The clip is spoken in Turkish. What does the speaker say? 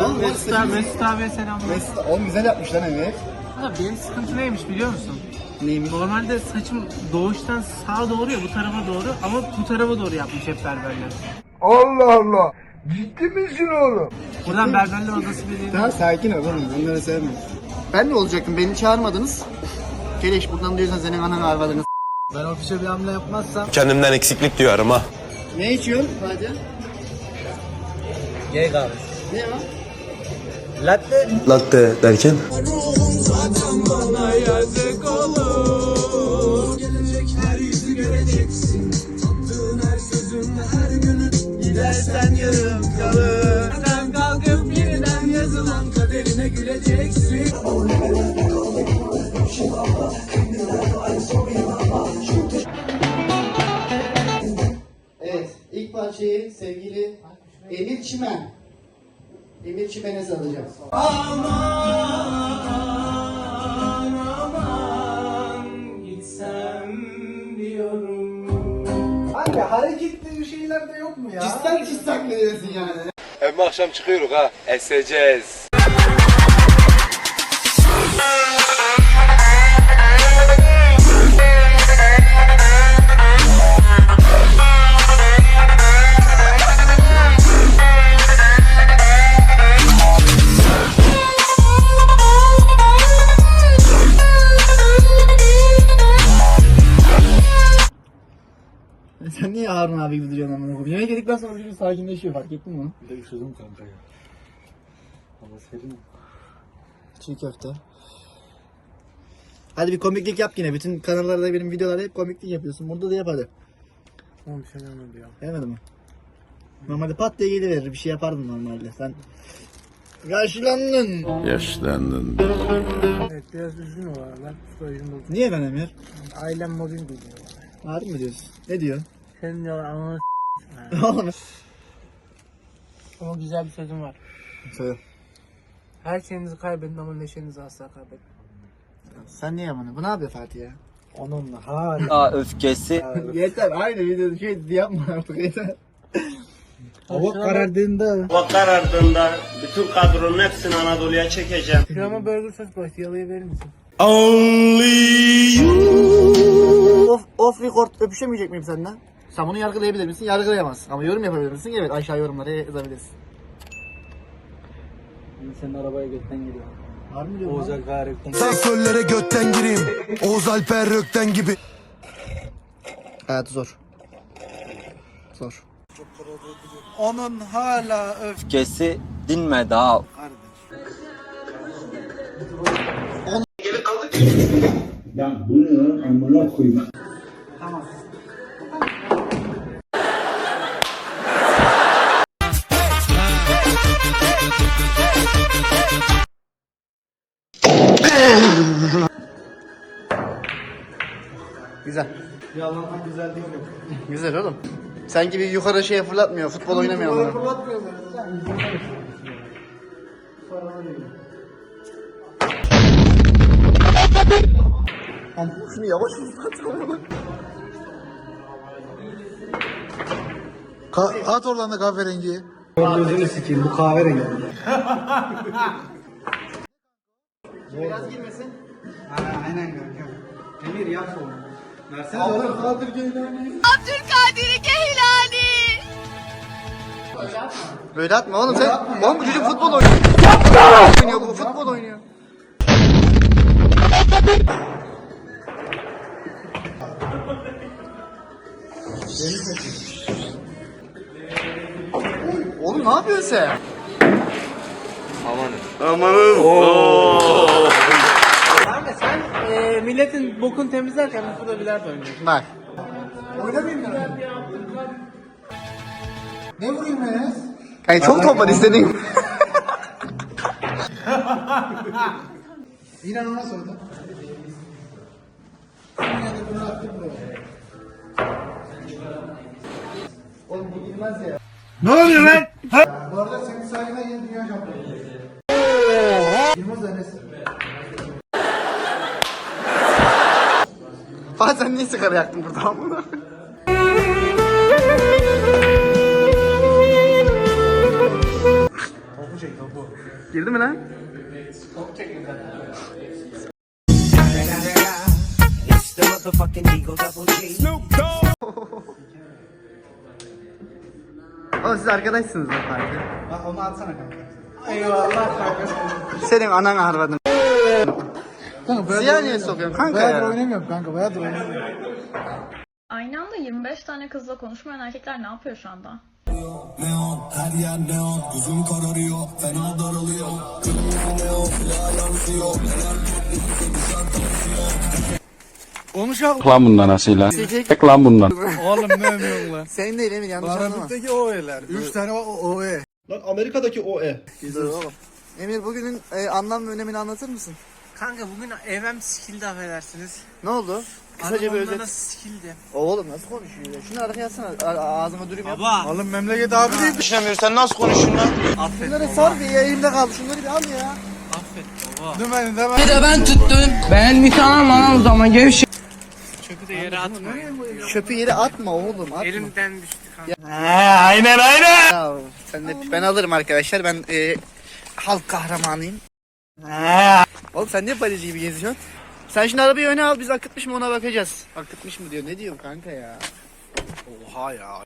Oğlum Mesut abiye selamlar. Oğlum güzel yapmış lan evet. Ama benim sıkıntı neymiş biliyor musun? Neymiş? Normalde saçım doğuştan sağa doğru ya, bu tarafa doğru, ama bu tarafa doğru yapmış hep berberler. Allah Allah. Ciddi misin oğlum? Buradan berberler odası bir Tamam sakin ol oğlum, onları sevmiyorum. Ben de olacaktım, beni çağırmadınız. Keleş buradan diyorsan senin ananı arvadını. Ben ofise bir hamle yapmazsam Kendimden eksiklik duyarım ha. Ne içiyorsun Fatih? gay kahvesi. Ne o? Latte. Latte derken? Gidersen yarım kalır. Sen kalkıp yeniden yazılan kaderine güleceksin. Evet, ilk parçayı sevgili Emir Çimen. Emir Çimen'e salacağım. Gitsem diyorum. Abi hareketli şeyler de yok mu ya? Cistak ne diyorsun yani? Hem akşam çıkıyoruz ha. Eseceğiz. Sen niye Harun abi gibi duruyorsun amına koyayım? Yemek yedikten sonra bir sakinleşiyor, fark ettin mi onu? Bir de üşüdüm kanka ya. Hava serin. Çiğ köfte. Hadi bir komiklik yap yine. Bütün kanallarda benim videolarda hep komiklik yapıyorsun. Burada da yap hadi. Tamam bir şey olmadı ya. Gelmedi mi? Normalde pat diye geliverir. Bir şey yapardın normalde. Sen yaşlandın. Yaşlandın. Evet biraz üzgün o aralar. Psikolojim bozuldu. Niye ben Emir? Ailem mobbing ediyor. Harbi mi diyorsun? Ne diyor? Senin diyorlar ananı Oğlum. Ama güzel bir sözüm var. Söyle. Her şeyinizi kaybedin ama neşenizi asla kaybedin. Sen niye bunu? Bu ne yapıyor Fatih ya? Onunla hala. Öfkesi. Yeter. Aynı videoda şey yapma artık yeter. Hava karardığında. Hava karardığında bütün kadronun hepsini Anadolu'ya çekeceğim. Şurama burger sos başlı yalayı verir misin? Off record öpüşemeyecek miyim senden? Sen bunu yargılayabilir misin? Yargılayamazsın. Ama yorum yapabilir misin? Evet, aşağı yorumlara yazabilirsin. Senin arabaya götten giriyor. Var mı diyorsun? Oğuz Alper Söllere götten gireyim. Oğuz Alper Rökten gibi. Hayatı zor. Zor. Onun hala Öfkesi dinmedi ha. Güzel. Güzel değil mi? Güzel oğlum. Sen gibi yukarı şeye fırlatmıyor. Futbol oynamıyor onlar. Şunu yavaş At oradan da kahverengiyi. gözünü sikeyim bu kahverengi. Biraz girmesin. Aynen kanka. Emir yap onu. Versene Abdülkadir Geylani. Abdülkadir Geylani. Böyle atma oğlum sen. Oğlum bu çocuk futbol oynuyor. Oynuyor bu futbol oynuyor. Oğlum ne yapıyorsun sen? Kanka sen milletin bokunu temizlerken biz burada bilardo oynuyoruz. Bak. Ne vurayım Enes? Kanka çok top var istediğin. Yine ona sordu. Oğlum bu girmez ya. Ne oluyor lan? Bu arada senin sayende yeni dünya şampiyonu. Yılmaz Enes. Fatih sen niye sigara yaktın burada amına? Girdi mi lan? Oğlum siz arkadaşsınız lan kanka. Bak onu atsana kanka. Senin anan harvadın. Kanka Ziya niye sokuyorsun kanka bayağıdır ya? oynamıyorum kanka. Bayağıdır oynamıyorum. Aynı anda 25 tane kızla konuşmayan erkekler ne yapıyor şu anda? Konuşalım. Lan bundan asıyla. Tek lan bundan. Oğlum ne ömüyorsun lan? Senin değil Emir yanlış anlama. Karabük'teki OE'ler. 3 tane var OE. Lan Amerika'daki OE. Dur oğlum. Emir bugünün anlam ve önemini anlatır mısın? Kanka bugün evim sikildi affedersiniz. Ne oldu? Kısaca bir Arabamda özet. nasıl sikildi? Oğlum nasıl konuşuyor ya? Şunu arkaya atsana. Ağzıma durayım yap. Baba. Oğlum memleket abi değil. Affet Şunları baba. sar bir ya elimde kaldı. Şunları bir al ya. Affet baba. Dümeni de Çöpü de yere atmayın. Çöpü yere atma oğlum atma. Elimden düştü kanka. Ya, sen de ben alırım arkadaşlar. Ben halk kahramanıyım. Oğlum sen niye baleci gibi geziyorsun? Sen şimdi arabayı öne al biz akıtmış mı ona bakacağız. Akıtmış mı diyor. Ne diyorsun kanka ya? Oha ya.